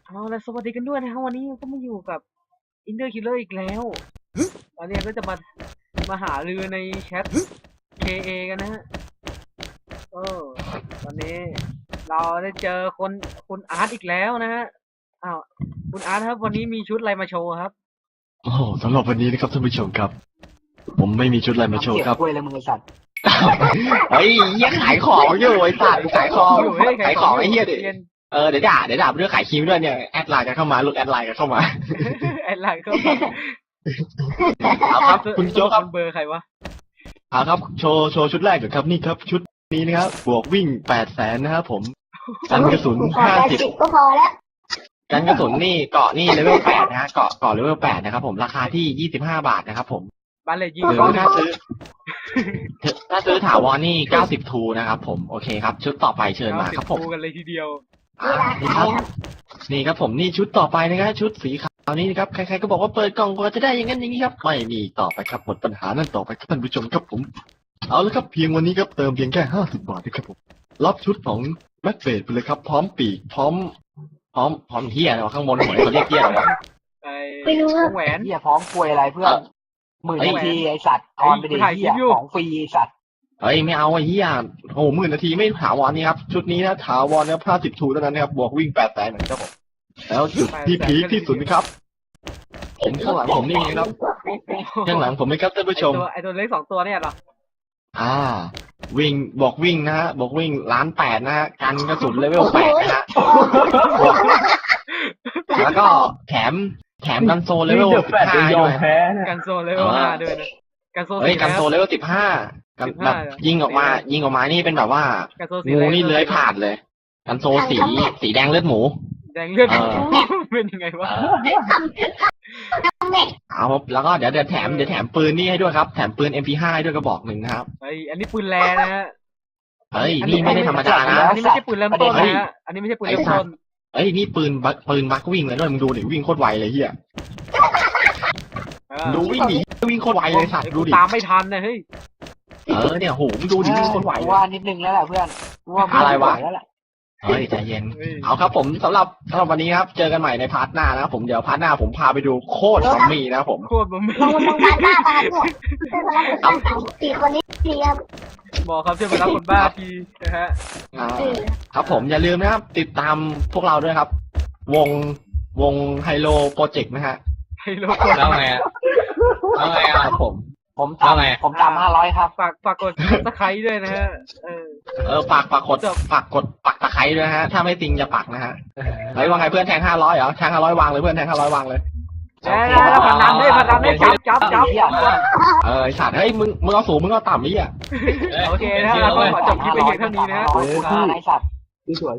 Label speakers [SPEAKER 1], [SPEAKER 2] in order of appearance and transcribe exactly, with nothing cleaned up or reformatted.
[SPEAKER 1] เอาละสวัสดีกันด้วยนะครับวันนี้ก็มาอยู่กับ Inter Killer อีกแล้วตอนนี้ก็จะมามาหารือในแชท เค เอ กันนะฮะเออตอนนี้เราได้เจอคนคุณอาร์ตอีกแล้วนะฮะอ้าวคุณอาร์ตครับวันนี้มีชุดอะไรมาโชว์ครับ
[SPEAKER 2] โอ้โหสำหรับวันนี้นะครับท่านผู้ชมครับ ผมไม่มีชุดอะไรมาโชว์ครับ
[SPEAKER 3] กล้วยเลยมึงไอ้สัตว์
[SPEAKER 2] เฮ้ยเหี้ยขายของอยู่ไอ้สัตว์ขายของ
[SPEAKER 1] อยู่เฮ้ย
[SPEAKER 2] ขายของไอ้เหี้ยดิ
[SPEAKER 1] เย็น
[SPEAKER 2] เออเดี๋ยวด่าเดี๋ยวด่าเรื่องขายครีมด้วยเนี่ยแอดไลน์กันเข้ามาหลุดแอดไลน์กันเข้ามา
[SPEAKER 1] แอดไลน์เข้ามา
[SPEAKER 2] เอาครับคุณโจ๊กครับ
[SPEAKER 1] เบอร์ใครวะ
[SPEAKER 2] เอาครับโชว์โชว์ชุดแรกก่อนครับนี่ครับชุดนี้นะครับบวกวิ่งแปดแสนนะครับผมกันกระสุน
[SPEAKER 4] ขอ
[SPEAKER 2] ห้า
[SPEAKER 4] แปด
[SPEAKER 2] สิบ
[SPEAKER 4] สิบก็พอแล้ว
[SPEAKER 2] กันกระสุนนี่เกาะนี่เลเวลแปดนะฮะเกาะเกาะเลเวลแปดนะครับผมราคาที่ยี่สิบห้าบาทนะครับผม
[SPEAKER 1] บ้านเลยยิง
[SPEAKER 2] หรือ
[SPEAKER 1] เขา
[SPEAKER 2] ถ้าซื้อถ้าซื้อถาวรนี่เก้าสิบทูนะครับผมโอเคครับ ชุดต่อไปเชิญมาครับผม
[SPEAKER 1] ดูกันเลยทีเดียว
[SPEAKER 2] อ่านี่ครับนี่ครับผมนี่ชุดต่อไปนะครับชุดสีขาวนี้นะครับใครๆก็บอกว่าเปิดกล่องก็จะได้อย่างนั้นอย่างนี้ครับไม่มีต่อไปครับหมดปัญหานั่นต่อไปครับท่านผู้ชมครับผมเอาละครับเพียงวันนี้ครับเติมเพียงแค่ห้าสิบบาทนะครับผมรับชุดของแม็กเฟดไปเลยครับพร้อมปีกพร้อม พร้อมพร้อมเฮียอะไรวะข้างบนหัวเขาเรียกเฮียอะไรวะ
[SPEAKER 1] ไอ้
[SPEAKER 4] ไม่รู้
[SPEAKER 1] ว
[SPEAKER 4] ว่าง
[SPEAKER 1] แหวน
[SPEAKER 3] เหี้ยพร้อมกล้วยอะไรเพื่อนหมื่น
[SPEAKER 2] เอ้ย
[SPEAKER 3] นาทีไอ้สัตว์ออนไปดิ
[SPEAKER 1] ถ่ายคลิ
[SPEAKER 3] เหี้
[SPEAKER 1] ป
[SPEAKER 3] ย
[SPEAKER 1] อยู่
[SPEAKER 3] ของฟรีไอ้สัตว์
[SPEAKER 2] เฮ้ยไม่เอาไอ้เฮียโอ้โหหมื่นนาทีไม่ถาวรนี่ครับชุดนี้นะถาวรนะครับห้าสิบทูเท่านั้นนะครับบวกวิ่งแปดแสนเหมือนครับผมแล้วจุดที่พีคที่สุดนะครับ ผมข้างหลังผมนี่นะครับข้างหลังผมนะครับท่านผู้ชม
[SPEAKER 1] ไอ้ตัวไอ้ตัวเล็กสองตัวเนี่ยเหรอ
[SPEAKER 2] อ่า วิ่งบอกวิ่งนะฮะบอกวิ่งล้านแปดนะฮะกันกระสุนเลเวลแปดนะฮะบวกแล้วก็แถมแถมกันโซเลเวลสิบห้าด้วย
[SPEAKER 1] กันโซเลเวลห้าด้วยนะกันโซ
[SPEAKER 2] เฮ้ย
[SPEAKER 1] สี
[SPEAKER 2] กันโซ
[SPEAKER 1] แล้ว
[SPEAKER 2] เลเวลสิบห้ากัน
[SPEAKER 1] สิบ
[SPEAKER 2] แบ
[SPEAKER 1] ห้า
[SPEAKER 2] บยิงออกมา ยิงออกมานี่เป็นแบบว่า
[SPEAKER 1] กันโซสี
[SPEAKER 2] งูนี่เลื้อยผ่านเลย กันโซสีสีแดงเลือดหมู
[SPEAKER 1] แดงเลือด
[SPEAKER 2] เออ
[SPEAKER 1] เป็นยังไงวะ
[SPEAKER 2] เอาครับแล้วก็เดี๋ยวเดี๋ยวแถมเดี๋ยวแถมปืนนี่ให้ด้วยครับแถมปืน เอ็ม พี ห้า ให้ด้วยกระบอกหนึ่งนะครับ
[SPEAKER 1] ไอ้อันนี้ปืนแรนะฮะ
[SPEAKER 2] เฮ้ยนี่ไม่ได้ธรรมดานะ
[SPEAKER 1] อันนี้ไม่ใช่ปืนเริ่มต้นนะฮะอันนี้ไม่ใช่ปืนเริ่มต้น
[SPEAKER 2] เอ้ยนี่ปืนบักปืนบักวิ่งเลยด้วยมึงดูดิวิ่งโคตรไวเลยเฮีย
[SPEAKER 1] เออ
[SPEAKER 2] ดูวิ่งหนีวิ่งโคตรไวเลยสัตว์ดูดิ
[SPEAKER 1] ตามไม่ทันนะเฮ้ย
[SPEAKER 2] เออเนี่ยโหมึงดูดิวิ่งโคตรไว
[SPEAKER 3] กู
[SPEAKER 2] เลย
[SPEAKER 3] ว่านิดนึงแล้วแหละเพื่อนกูว่า
[SPEAKER 2] อะไรวะ
[SPEAKER 3] แล้วแหละ
[SPEAKER 2] เฮ้ยใจเย็น
[SPEAKER 1] เฮ้ย
[SPEAKER 2] เอาครับผมสำหรับสำหรับวันนี้ครับเจอกันใหม่ในพาร์ทหน้านะครับผมเดี๋ยวพาร์ทหน้าผมพาไปดูโคตรซอมบี้นะครับผม
[SPEAKER 1] โคตรบ่ม
[SPEAKER 4] ลงลงบ้านหน้าบ้านเนี่ยเพื่อนมารับคนสามสี่คนนี้เรียบ
[SPEAKER 1] บอกครับช่วยมารับคนบ้าทีนะฮะ
[SPEAKER 2] อ่า
[SPEAKER 4] เออ
[SPEAKER 2] ครับผมอย่าลืมนะครับ ติดตามพวกเราด้วยครับ วงวงไฮโลโปรเจกต์นะฮะ
[SPEAKER 1] ให้โลก
[SPEAKER 5] แล้วไงอะแล้วไง
[SPEAKER 2] ค
[SPEAKER 5] อ่ะ
[SPEAKER 2] รับผม
[SPEAKER 3] ผม
[SPEAKER 5] แล้วไง
[SPEAKER 3] ทำผมตามห้าร้อยครับ
[SPEAKER 1] ฝากฝากกดตะไคร้ด้วยนะฮะเออ
[SPEAKER 2] เออฝากฝากกดฝากกดปักตะไคร้ด้วยนะฮะถ้าไม่จริงอย่าปักนะฮะเฮ้ยว่าไงเพื่อนแทงห้าร้อยเหรอแทงห้าร้อยวางเลยเพื่อนแทงห้าร้อยวางเลย
[SPEAKER 1] แล้วพนันได้พนันได้จับจับจับ
[SPEAKER 3] เหี้ย
[SPEAKER 2] เออไอ้สัตว์เฮ้ยมึงมึงเอาสูงมึงเอาต่ำนี่อ่ะ
[SPEAKER 1] โอเคนะฮะเราก็ขอจบคลิปไปเพียงเท่านี้นะฮะ
[SPEAKER 3] ร้อยคูณห้าไอ้สัตว์สวย